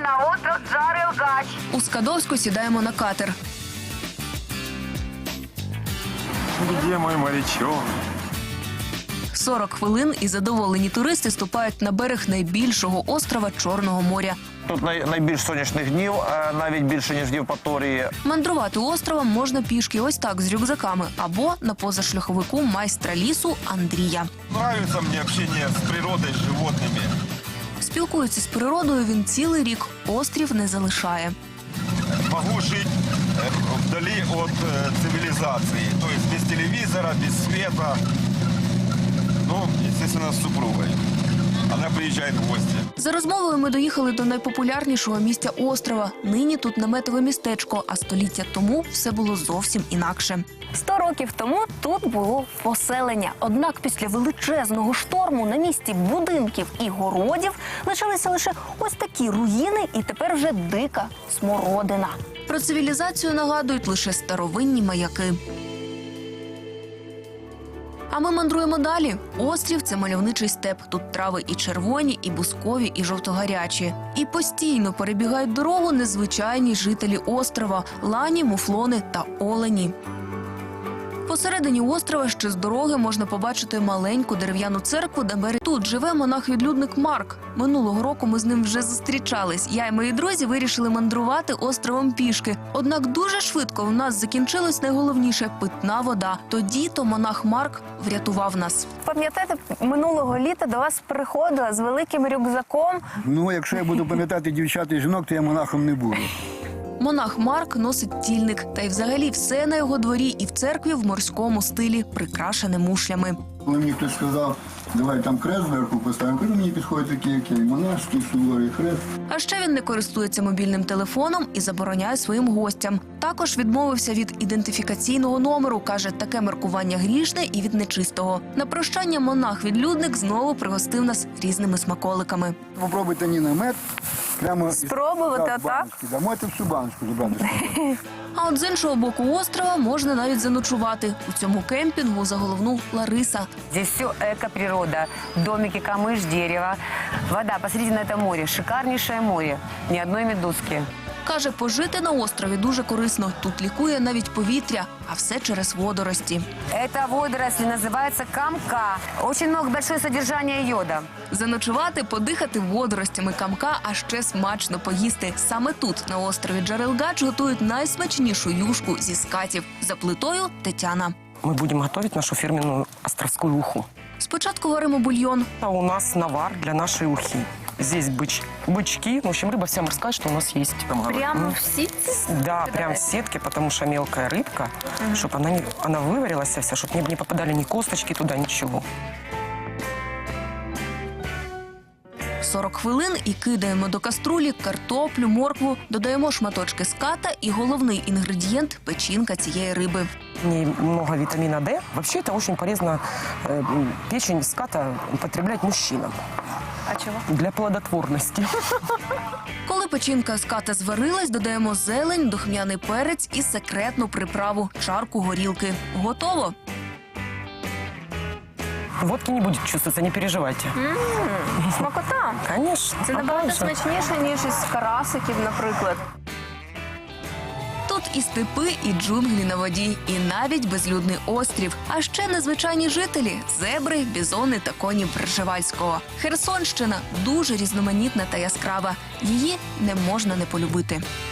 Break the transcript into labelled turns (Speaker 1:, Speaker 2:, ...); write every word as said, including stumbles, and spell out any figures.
Speaker 1: на остров Джарелгач.
Speaker 2: У Скадовську сідаємо на катер.
Speaker 3: Где мой морячок?
Speaker 2: сорок хвилин і задоволені туристи ступають на берег найбільшого острова Чорного моря.
Speaker 4: Тут най- найбільш сонячних днів, е, навіть більше, ніж в Євпаторії.
Speaker 2: Мандрувати островом можна пішки ось так з рюкзаками або на позашляховику майстра лісу Андрія.
Speaker 3: Нравится мне общение с природой, с животными.
Speaker 2: Спілкується з природою він цілий рік, острів не залишає.
Speaker 3: Могу жить э, вдали от э, цивилизации. То есть без телевизора, без света. Ну, естественно, с супругой. Она приезжает в гости.
Speaker 2: За розмовою ми доїхали до найпопулярнішого місця острова. Нині тут наметове містечко, а століття тому все було зовсім інакше. Сто років тому тут було поселення. Однак після величезного шторму на місці будинків і городів лишилися лише ось такі руїни і тепер вже дика смородина. Про цивілізацію нагадують лише старовинні маяки. А ми мандруємо далі. Острів – це мальовничий степ. Тут трави і червоні, і бускові, і жовтогарячі. І постійно перебігають дорогу незвичайні жителі острова – лані, муфлони та олені. Посередині острова ще з дороги можна побачити маленьку дерев'яну церкву, де мер... Тут живе монах-відлюдник Марк. Минулого року ми з ним вже зустрічались. Я і мої друзі вирішили мандрувати островом пішки. Однак дуже швидко у нас закінчилось найголовніше – питна вода. Тоді-то монах Марк врятував нас. Пам'ятаєте, минулого літа до вас приходила з великим рюкзаком.
Speaker 5: Ну, якщо я буду пам'ятати дівчат і жінок, то я монахом не буду.
Speaker 2: Монах Марк носить тільник, та й взагалі все на його дворі і в церкві в морському стилі, прикрашене мушлями.
Speaker 5: Коли мені хтось сказав, давай там хрест зверху поставимо, кажу, мені підходить такий, як я, і монашський, суворий хрест.
Speaker 2: А ще він не користується мобільним телефоном і забороняє своїм гостям. Також відмовився від ідентифікаційного номеру, каже, таке маркування грішне і від нечистого. На прощання монах-відлюдник знову пригостив нас різними смаколиками.
Speaker 5: Попробуйте ні намет, прямо
Speaker 2: Спробувати,
Speaker 5: так,
Speaker 2: отак?
Speaker 5: баночки. Да, можете всю баночку забрати.
Speaker 2: А от з іншого боку острова можна навіть заночувати. У цьому кемпінгу заголовнув Лариса.
Speaker 1: Здесь все эко-природа. Домики, камыш, дерево. Вода посередине это море. Шикарнейшее море. Ни одной медузки.
Speaker 2: Каже, пожити на острові дуже корисно. Тут лікує навіть повітря, а все через водорості.
Speaker 1: Эта водоросль называется камка. Очень много, большое содержание йода.
Speaker 2: Заночувати, подихати водоростями камка, а ще смачно поїсти. Саме тут, на острові Джарелгач, готують найсмачнішу юшку зі скатів. За плитою Тетяна.
Speaker 6: Мы будем готовить нашу фирменную островскую уху.
Speaker 2: Спочатку варимо бульйон.
Speaker 6: А у нас навар для нашей ухи. Здесь быч, бычки, в общем, рыба вся морская, что у нас есть.
Speaker 2: Прямо в сітці?
Speaker 6: Да, прям в сетке, потому что мелкая рыбка, чтобы она, не, она выварилась вся, чтобы не, не попадали ни косточки туда, ничего.
Speaker 2: сорок хвилин і кидаємо до каструлі картоплю, моркву, додаємо шматочки ската і головний інгредієнт – печінка цієї риби.
Speaker 6: В ней много витамина Д. Вообще это очень полезно, э, печень ската употреблять мужчинам.
Speaker 2: А чого?
Speaker 6: Для плодотворности.
Speaker 2: Коли печінка ската зварилась, додаємо зелень, духмяний перець і секретну приправу – чарку горілки. Готово!
Speaker 6: Водки не будет чувствоваться, не переживайте.
Speaker 2: Смакота!
Speaker 6: Конечно.
Speaker 2: Це
Speaker 6: а
Speaker 2: набагато
Speaker 6: как же?
Speaker 2: смачніше, ніж із карасиків, наприклад. Тут і степи, і джунглі на воді, і навіть безлюдний острів. А ще незвичайні жителі – зебри, бізони та коні Пржевальського. Херсонщина дуже різноманітна та яскрава. Її не можна не полюбити.